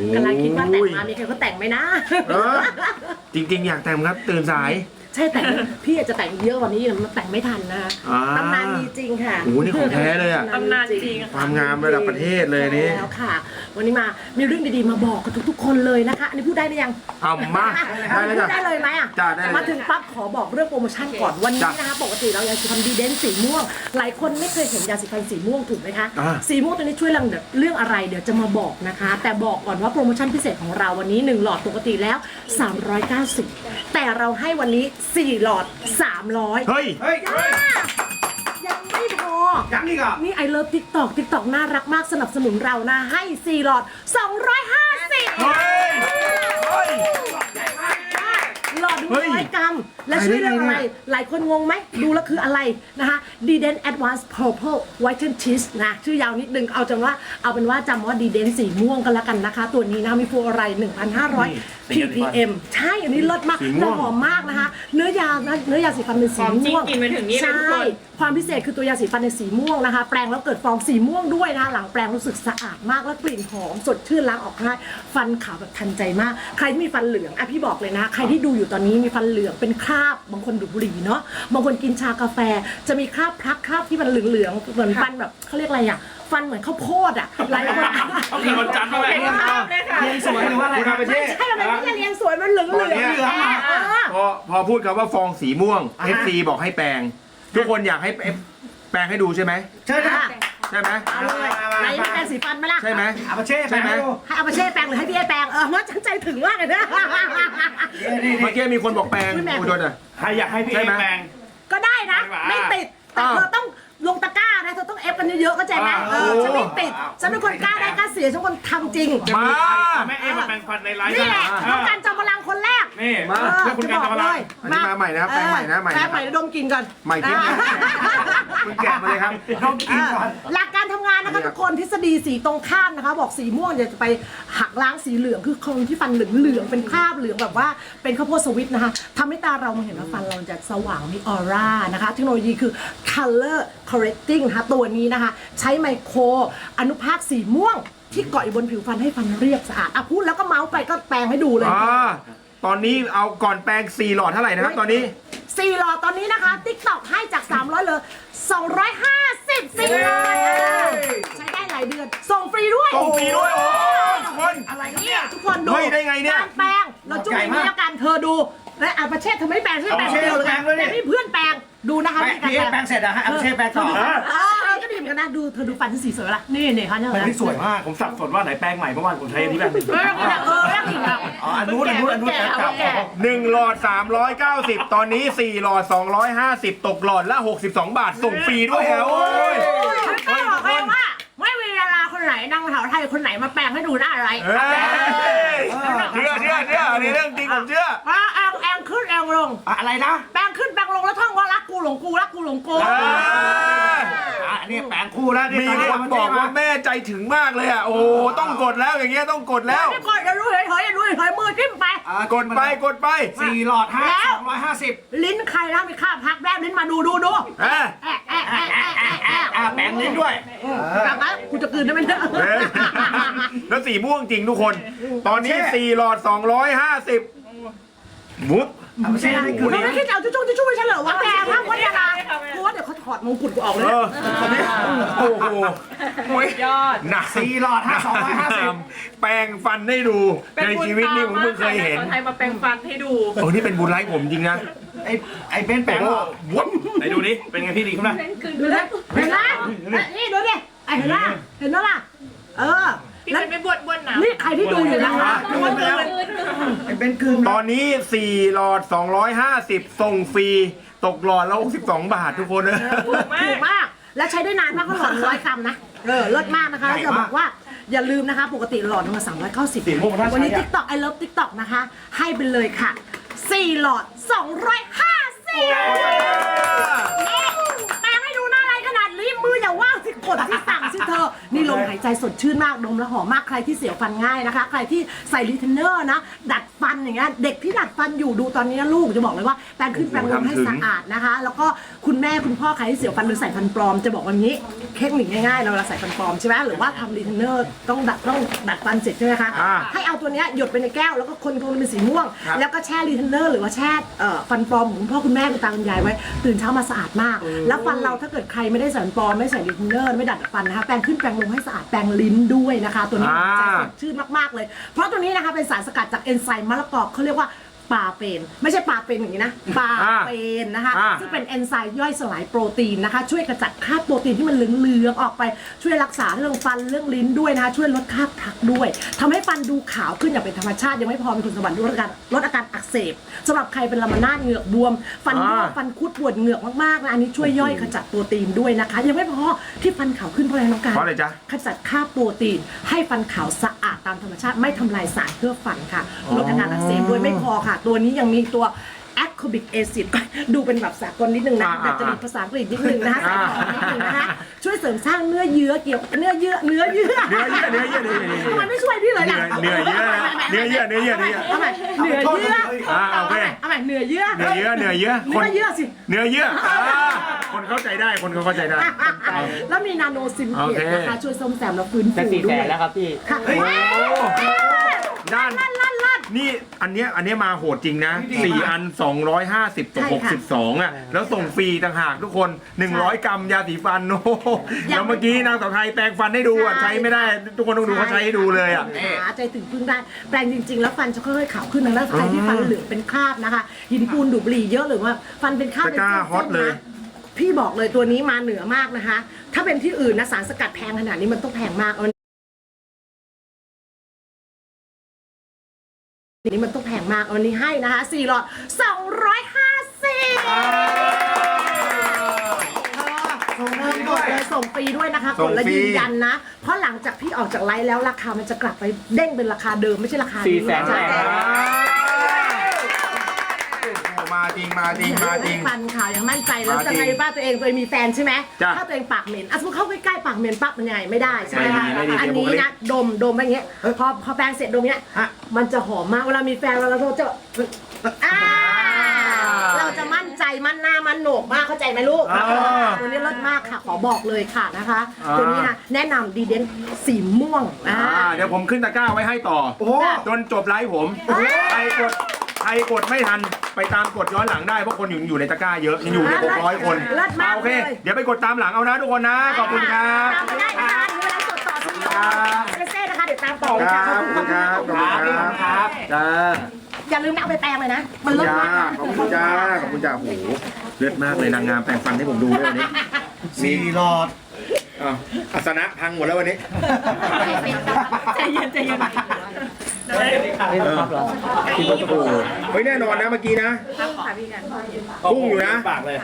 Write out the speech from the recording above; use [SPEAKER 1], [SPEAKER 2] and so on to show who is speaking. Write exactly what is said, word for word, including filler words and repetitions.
[SPEAKER 1] กำลังคิดว่าแต่งมามีใครเขาแต่งไหมนะ
[SPEAKER 2] จริงๆอยากแต่งครับตื่นสาย
[SPEAKER 1] ใช่แต่พี่อาจจะแต่งเยอะกว่านี้มันแต่งไม่ทันนะตำนานมีจริงค่ะ
[SPEAKER 2] โอ้นี่ของแท้เลยอะ
[SPEAKER 3] ตำนานจริง
[SPEAKER 2] ความงามระดับประเทศเลยนี่
[SPEAKER 1] แล้วค่ะวันนี้มามีเรื่องดีๆมาบอกกับทุกๆคนเลยนะคะอันนี้พูดได้หรือยัง
[SPEAKER 2] เอามา
[SPEAKER 1] ได้เลยได้เลยไหมอ่ะ
[SPEAKER 2] จ้าได้
[SPEAKER 1] มาถึงปั๊บขอบอกเรื่องโปรโมชั่นก่อนวันนี้นะคะปกติเรายาสีฟันดีเดนสีม่วงหลายคนไม่เคยเห็นยาสีฟันสีม่วงถูกไหมคะสีม่วงตัวนี้ช่วยเรื่องอะไรเดี๋ยวจะมาบอกนะคะแต่บอกก่อนว่าโปรโมชั่นพิเศษของเราวันนี้หนึ่งหลอดปกติแล้วสามร้อยเก้าสิบแต่เราให้วันนี้สี่หลอดสามร้อย
[SPEAKER 2] เฮ้ย
[SPEAKER 1] ยังไม่พอ
[SPEAKER 2] ยังอีกอ่ะ
[SPEAKER 1] นี่ไอเลิฟทิกตอกทิกตอกน่ารักมากสนับสนุนเรานะให้สี่หลอดสองร้อยห้าสิบ
[SPEAKER 2] เฮ้ยเฮ้ย
[SPEAKER 1] หลอดดูร้อยกรัมและช่วยเรื่องอะไรหลายคนงงไหมดูแล้วคืออะไรนะคะดีเดน Advanced Purple Whiten Teeth นะชื่อยาวนิดนึงเอาจำว่าเอาเป็นว่าจำว่าดีเดนสีม่วงกันแล้วกันนะคะตัวนี้นะมีฟูอะไร หนึ่งพันห้าร้อย พี พี เอ็ม ใช่อันนี้เลิศมากและหอมมากนะคะเนื้อยาเนื้อยาสีฟันเป็นสีม่วง
[SPEAKER 3] กินไปถึงนี่เลยทุกคน
[SPEAKER 1] ความพิเศษคือตัวยาสีฟันในสีม่วงนะคะแปรงแล้วเกิดฟองสีม่วงด้วยนะคะหลังแปรงรู้สึกสะอาดมากและกลิ่นหอมสดชื่นล้างออกง่ายฟันขาวแบบทันใจมากใครที่มีฟันเหลืองอ่ะพี่บอกเลยนะใครที่ดูอยู่ตอนนี้มีฟันเหลืองเป็นคราบบางคนดูดบุหรี่เนาะบางคนกินชากาแฟจะมีคราบพลักคราบที่มันเหลืองๆเหมือนฟันแบบเขาเรียกอะไรอ่ะฟันเหมือนข้าวโพดอ่ะหลายคน
[SPEAKER 2] เขาเป็นคนจันทร์อะไร
[SPEAKER 3] เรียงสวยหรือว่าอะไร
[SPEAKER 2] ไม่
[SPEAKER 1] ใช่มันไม่ใช่เรียงสวยมันเหลืองเหลือง
[SPEAKER 2] พอพอพูดคำว่าฟองสีม่วง เอฟ ซี บอกให้แปลงทุกคนอยากให้แปลงให้ดูใช่ไหม
[SPEAKER 1] ใช่ค่ะ
[SPEAKER 2] ใช่ไหม
[SPEAKER 1] เอาเลยไหนแปรงสีฟันไหมล่ะ
[SPEAKER 2] ใช่ไหม
[SPEAKER 4] อาปาเช่ใช่ไหม
[SPEAKER 1] ให้อาปาเช่แปรงหรือให้พี่เอแปรงเออว่าฉันใจถึงมากเลยนะ
[SPEAKER 2] เมื่อกี้มีคนบอกแปลงอุดรอ่ะ
[SPEAKER 4] ใครอยากให้พี่เอแปลง
[SPEAKER 1] ก็ได้นะไม่ติดแต่เธอต้องลงตะกร้านะเธอต้องเอฟกันเยอะๆเข้าใจไหมเออฉันไม่ติดฉันเป็นคนกล้าได้กล้าเสียฉันคนทำจริง
[SPEAKER 2] มา
[SPEAKER 4] แม่เอมาแปลงฟันในไลฟ์
[SPEAKER 1] นี่แหละต้องการจอมพลังคนแรก
[SPEAKER 4] นี่มาเพื่อคุณการจอมพลัง
[SPEAKER 2] อันนี้มาใหม่นะครับแปลงใหม่นะใหม่
[SPEAKER 1] แปลงใหม่ดมกินก่อน
[SPEAKER 2] ใหม่กินคุณแกะมาเลยครับ
[SPEAKER 4] ดมกินก่อน
[SPEAKER 1] หลักการทำงานนะคะทุกคนทฤษฎีสีตรงข้ามนะคะบอกสีม่วงจะไปหักล้างสีเหลืองคือคนที่ฟันเหลืองเหลืองเป็นคราบเหลืองแบบว่าเป็นข้าวโพดสวิตนะคะทำให้ตาเราเห็นว่าฟันเราจะสว่างมีออร่านะคะเทคโนโลยีคือ color correcting นะคะตัวนี้นะคะใช้ไมโครอนุภาคสีม่วงที่เกาะอยู่บนผิวฟันให้ฟันเรียบสะอาดอ่ะพูดแล้วก็เมาส์ไปก็แปลงให้ดูเลย
[SPEAKER 2] ตอนนี้เอาก่อนแปลงสี่หลอดเท่าไหร่นะครับตอนนี้
[SPEAKER 1] สี่หลอดตอนนี้นะคะ TikTok ให้จากสามร้อยเลยสองร้อยห้าสิบสี่หลอดใช้ได้หลายเดือนส่งฟรีด้วย
[SPEAKER 2] ส่งฟรีด้วยโอ้ทุกคน
[SPEAKER 1] อะไรเนี่ยทุกคนดู
[SPEAKER 2] ได้ไงเนี่ย
[SPEAKER 1] การแปลงเราจุ่มอย่างนี้แล้วกันเธอดูและอาประเทศเธอไม่แปลงใช่แปลงเดียวเลยแต่พี่เพื่อนแปลงดูนะคะ
[SPEAKER 4] พี่เอแปลงเสร็จอะฮะอาปาเช่แปลงต่อ
[SPEAKER 1] ก็ดีเหมือนกันนะดูเธอดูฟันที่สีสวยละนี่เนี่ยค่ะเนี่ย
[SPEAKER 4] มันสวยมากผมสับสนว่าไหนแปลงใหม่เมื่อวานผมใช้ที่แปลง
[SPEAKER 1] เออเออแล้วอีกแบบ
[SPEAKER 4] อ๋ออันนู้นอันนู้นอันนู้นแปลงเก่า
[SPEAKER 2] หนึ่งหลอดสามร้อยเก้าสิบตอนนี้สี่หลอดสองร้อยห้าสิบตกหลอดละหกสิบสองบาทส่งฟรีด้วยครับโอ้ย
[SPEAKER 1] ไม่บอกเลยว่าไม่มีดาราคนไหนนางสาวไทยคนไหนมาแปลงให้ดูหน้าอะไร
[SPEAKER 2] เชื่อเชื่อเชื่ออันนี้เรื่องจริงผมเชื่อ
[SPEAKER 1] ว่าแองแองขึ้นแองลง
[SPEAKER 4] อะไรนะ
[SPEAKER 1] แปลงขึ้นแปลงลงแล้วท่องว่ารักกูหลงกูรักกูหลงกู
[SPEAKER 4] อันนี้แปลงคู่แล้ว
[SPEAKER 2] มีคนบอกว่าแม่ใจถึงมากเลยอ่ะโอ้ต้องกดแล้วอย่างเงี้ยต้องกดแล้ว
[SPEAKER 1] ไม่กดอย่ารู้เฉยๆอย่ารู้เฉยๆมือจิ้มไป
[SPEAKER 2] กดไปกดไป
[SPEAKER 4] สี่หลอดห้าสองร้อยห้าสิบ
[SPEAKER 1] ลิ้นใครนะมีค่าพักแรบลิ้นมาดูดูดู
[SPEAKER 2] เอ๊ะ
[SPEAKER 4] แปลงลิ้นด้วย
[SPEAKER 1] กลับมากูจะกลืนได้ไหมเนี่ย
[SPEAKER 2] แล้วสีม่วงจริงทุกคนตอนนี้สี่หลอดสองร้อยห้าสิบมุด
[SPEAKER 4] ไม่ใช่ไม่คือ
[SPEAKER 1] เราไม่คิดเอาจุ๊จุ๊จุ๊ไปเฉลยว่าแกพักวัฒนากูว่าเดี๋ยวเขาถอดมงกุฎกูออกเลย
[SPEAKER 2] โอ้โห
[SPEAKER 3] ยอด
[SPEAKER 2] หนัก
[SPEAKER 4] สี่หลอดห้าสองร้อยห้าสิบ
[SPEAKER 2] แปลงฟันให้ดูในชีวิตนี้ผมเพิ่งเคยเห็น
[SPEAKER 3] ใครมาแปลงฟันให้ดู
[SPEAKER 2] โอ้นี่เป็นบุญไร้ผมจริงนะ
[SPEAKER 4] ไอ้ไอ้เบนแปลง
[SPEAKER 2] วุ้น
[SPEAKER 4] ไหนดูดิเป็นไงพี่ดีขึ้นไหม
[SPEAKER 1] ดูนะเห็นไหมนี่ดูดิไอ้เห็นไหมเห็นไหมล่ะเออ
[SPEAKER 3] แล้วไม่บวชบวชนะ
[SPEAKER 1] นี่ใครที่ดูอยู่นะคะ
[SPEAKER 4] ดูไปแล้วไอ้เบนคืน
[SPEAKER 2] ตอนนี้สี่หลอดสองร้อยห้าสิบส่งฟรีตกหลอดละหกสิบสองบาททุกคนเลย
[SPEAKER 1] ถูกมากและใช้ได้นานมากก็หลอดร้อยกรัมนะเออเลิศมากนะคะจะบอกว่าอย่าลืมนะคะปกติหลอดนึงสามร้อยเก้าสิบวันนี้ TikTok I love TikTok นะคะให้ไปเลยค่ะสี่หลอดสองร้อยห้าสิบแปลงให้ดูหน้าอะไรขนาดนี้มืออย่าว่างสิกดที่สั่งสิเธอนี่ลมหายใจสดชื่นมากดมแล้วหอมมากใครที่เสียวฟันง่ายนะคะ ใครที่ใส่รีเทนเนอร์นะดัดฟันอย่างเงี้ยเด็กที่ดัดฟันอยู่ดูตอนนี้นะลูกจะบอกเลยว่าแปรงขึ้นแปรงลงให้สะอาดนะคะ แล้วก็คุณแม่คุณพ่อใครที่เสียวฟันหรือใส่ฟันปลอมจะบอกว่างี้เทคนิคง่ายๆเราเวลาใส่ฟันปลอมใช่ไหมหรือว่าทำรีเทนเนอร์ต้องดัดต้องดัดฟันเสร็จใช่ไหมคะ
[SPEAKER 2] อ่า
[SPEAKER 1] ให้เอาตัวเนี้ยหยดไปในแก้วแล้วก็คนคนเป็นสีม่วง
[SPEAKER 2] ครับ
[SPEAKER 1] แล้วก็แช่รีเทนเนอร์หรือว่าแช่เอ่อฟันปลอมของคุณพ่อคุณแม่คุณตาคุณยายไว้ตื่นเช้ามาสะอาดมาก แล้วฟันเราถ้าเกิดใครไม่ได้ใส่ฟันปลอมไม่ใส่รีเทนเนอร์ไม่ดัดฟันนะคะแปรงขึ้นแปรงลงให้สะอาดแปรงลิ้นด้วยนะคะ ตัวนี้
[SPEAKER 2] อ่า
[SPEAKER 1] จะสดชื่นมากๆเลย เพราะตัวนี้นะคะเป็นสารสกัดจากเอนไซม์มะละกอเขาเรียกว่าปลาเป็นไม่ใช่ปลาเป็นอย่างนี้นะปลาเป็นนะคะ
[SPEAKER 2] อ่า
[SPEAKER 1] ซึ่งเป็นเอนไซม์ย่อยสลายโปรตีนนะคะ ช่วยกระจัดคราบโปรตีนที่มันเหลืองๆออกไปช่วยรักษาเรื่องฟันเรื่องลิ้นด้วยนะคะช่วยลดคราบพลักด้วยทำให้ฟันดูขาวขึ้นอย่างเป็นธรรมชาติยังไม่พอมีคุณสมบัติลดอาการลดอาการอักเสบสำหรับใครเป็นลามานาดเหงือกบวม ฟันร่วงฟันคุดปวดเหงือกมากๆนะอันนี้ช่วยย่อยขจัดโปรตีนด้วยนะคะยังไม่พอที่ฟันขาวขึ้นเพราะอะไรน้องการ
[SPEAKER 2] เพราะอะไรจ๊ะ
[SPEAKER 1] ขจัดคราบโปรตีนให้ฟันขาวสะอาดตามธรรมชาติไม่ทำลายสารเพื่อฟันค่ะลดอาการอักเสบด้วยไม่พอค่ะ ตัวนี้ยังมีตัว ascorbic acid ดูเป็นแบบสากลนิดนึงนะ
[SPEAKER 2] อ่า
[SPEAKER 1] แต่จะมีภาษาอังกฤษนิดนึงนะคะใส่ของนิดนึงนะคะช่วยเสริมสร้างเนื้อเยื่อเกี่ยวเนื้อเยื่อเนื้อเยื่อ
[SPEAKER 2] เนื้อเยื่อเนื้อเยื่อเนื้อเยื่อ
[SPEAKER 1] ทำไมไม่ช่วยพี่เลยล่ะ
[SPEAKER 2] เนื้อเยื่อนะเนื้อเยื่อเนื้อเยื่อเนื้อเยื่อ
[SPEAKER 1] เอาใหม่เนื้อเยื่อ
[SPEAKER 2] อ่าโอเค
[SPEAKER 1] เอาใหม่เนื้อเยื่อ
[SPEAKER 2] เนื้อเยื่อเนื้อเยื่อค
[SPEAKER 1] เนื้
[SPEAKER 2] น
[SPEAKER 1] อเยื่อสิ
[SPEAKER 2] เนื้อเยื่ออ่าคนเข้าใจได้คนเขาเข้าใจได้
[SPEAKER 1] แล้วมีนาโนซิมเก
[SPEAKER 2] โอ
[SPEAKER 1] ต
[SPEAKER 2] เค
[SPEAKER 1] นะคะช่วยซ่อมแซมและฟื้นฟู
[SPEAKER 3] จะสี่
[SPEAKER 1] ด้
[SPEAKER 3] แส
[SPEAKER 1] วย
[SPEAKER 3] นแล้วครับพี่
[SPEAKER 1] ค่ะ
[SPEAKER 2] โอ้ด้าน
[SPEAKER 1] ลั่นลั่นลั่น
[SPEAKER 2] นี่อันเนี้ยอันเนี้ยมาโหดจริงนะสี่อันสองร้อยห้าสิบต่อ
[SPEAKER 1] ใช่
[SPEAKER 2] หก
[SPEAKER 1] ค่ะ
[SPEAKER 2] สิบสองอ่ะแล้วส่งฟรีต่างหากทุกคนหนึ่งร้อยกรัมยาสีฟันโอ้โหแล้วเมื่อกี้นางสาวไทยแปรงฟันให้ดูอ่ะ
[SPEAKER 1] ใช่
[SPEAKER 2] ใช้ไม่ได้ ทุกคนต้องดูเขาใช้ให้ดูเลยอ่ะ
[SPEAKER 1] หาใจถึงพึ่งได้แปรงจริง ๆ แล้วฟันจะค่อยๆขาวขึ้นนะแล้วใครที่ฟันเหลืองเป็นคราบนะคะหินปูนดูดบุหรี่เยอะหรือว่าฟันเป็นคราบ
[SPEAKER 2] ตะกร้า
[SPEAKER 1] เป็นส้นๆ
[SPEAKER 2] ฮอตเลย
[SPEAKER 1] นะพี่บอกเลยตัวนี้มาเหนือมากนะคะ ถ้าเป็นที่อื่นนะสารสกัดแพงขนาดนี้มันต้องแพงมากเอาอันนี้มันต้องแพงมากเอาอันนี้ให้นะคะสี่หลอดสองร้อยห้าสิบ
[SPEAKER 4] ส่งเงิน
[SPEAKER 1] ก
[SPEAKER 4] ด้ว
[SPEAKER 1] ด
[SPEAKER 4] ย
[SPEAKER 1] เลยส่งฟรีด้วยนะคะ
[SPEAKER 2] ส่
[SPEAKER 1] ก
[SPEAKER 2] ง
[SPEAKER 1] ดและ
[SPEAKER 2] ฟรี
[SPEAKER 1] ยืนยันนะ เพราะหลังจากพี่ออกจากไลฟ์แล้วราคามันจะกลับไปเด้งเป็นราคาเดิมไม่ใช่ราคา
[SPEAKER 3] สี่
[SPEAKER 1] นี้
[SPEAKER 3] แสน
[SPEAKER 1] ใช่
[SPEAKER 3] แรก
[SPEAKER 2] โอ้มาจริงมาจริงมาจริง
[SPEAKER 1] ฟันขาวอย่างมั่นใจแล้ว
[SPEAKER 2] มาจริ
[SPEAKER 1] จะ
[SPEAKER 2] ง
[SPEAKER 1] ไงบ้างตัวเองตัวเองมีแฟนใช่ไหม
[SPEAKER 2] จ้ะ
[SPEAKER 1] ถ้าตัวเองปากเหม็นอ่ะสมมติเข้าใกล้ๆปากเหม็นปั๊บมันยังไงไม่ได้ใช่ไหมคะ
[SPEAKER 2] ไม่ดีไม่ดี
[SPEAKER 1] อันนี้นะดมดมไปอย่างเงี้ยพอพอแปรงเสร็จดมเงี้ยมันจะหอมมากเวลามีแฟนเราเราจะอ่าเราจะมั่นใจมั่นหน้ามั่นโหนกมากเข้าใจไหมลูก
[SPEAKER 2] อ่า
[SPEAKER 1] ตัวนี้เลิศมากค่ะขอบอกเลยค่ะนะคะ
[SPEAKER 2] อ่า
[SPEAKER 1] ตัวนี้นะแนะนำดีเดนสีม่วงอ่า
[SPEAKER 2] อ่าเดี๋ยวผมขึ้นตะกร้าไว้ให้ต่อ
[SPEAKER 4] โอ้โห
[SPEAKER 2] จนจบไลฟ์ผมใครกดใครกดไม่ทันไปตามกดย้อนหลังได้เพราะคนอยู่อยู่ในตะกร้าเยอะยังอยู่ในหกร้อยคน
[SPEAKER 1] เลิศมาก
[SPEAKER 2] โอเค
[SPEAKER 1] เลย
[SPEAKER 2] เดี๋ยวไปกดตามหลังเอานะทุกคนนะขอบคุณครับ
[SPEAKER 1] ตามมาได้นะคะดูแลสดต่อสิ
[SPEAKER 2] ครับ
[SPEAKER 1] เซเซ่นะคะเดี๋ยวตามต่อเลย
[SPEAKER 2] ค
[SPEAKER 1] ค่ะ
[SPEAKER 2] รับ
[SPEAKER 1] ขอบคุณ
[SPEAKER 2] ขอบคุณครับขอบคุณครับจ้า
[SPEAKER 1] อย่าลืมนะเอาไปแปรงเลยนะ มัน
[SPEAKER 2] ขอบ
[SPEAKER 1] เลิ
[SPEAKER 2] คุณ
[SPEAKER 1] ศ
[SPEAKER 2] จ้าม
[SPEAKER 1] าก
[SPEAKER 2] ขอบคุณจ้าขอบคุณจ้าโอ้โหเลือดมากเลยนางงามแปลงฟันให้ผมดูด้วยวันนี้
[SPEAKER 4] สี่หลอด
[SPEAKER 2] อ้าวอาสนะพังหมดแล้ววันนี้
[SPEAKER 3] ใจเย็นใจเย็น
[SPEAKER 2] เออโอ้โหเฮ้ยแน่นอนนะเมื่อกี้นะพุ่งอยู่นะ
[SPEAKER 4] ปากเลย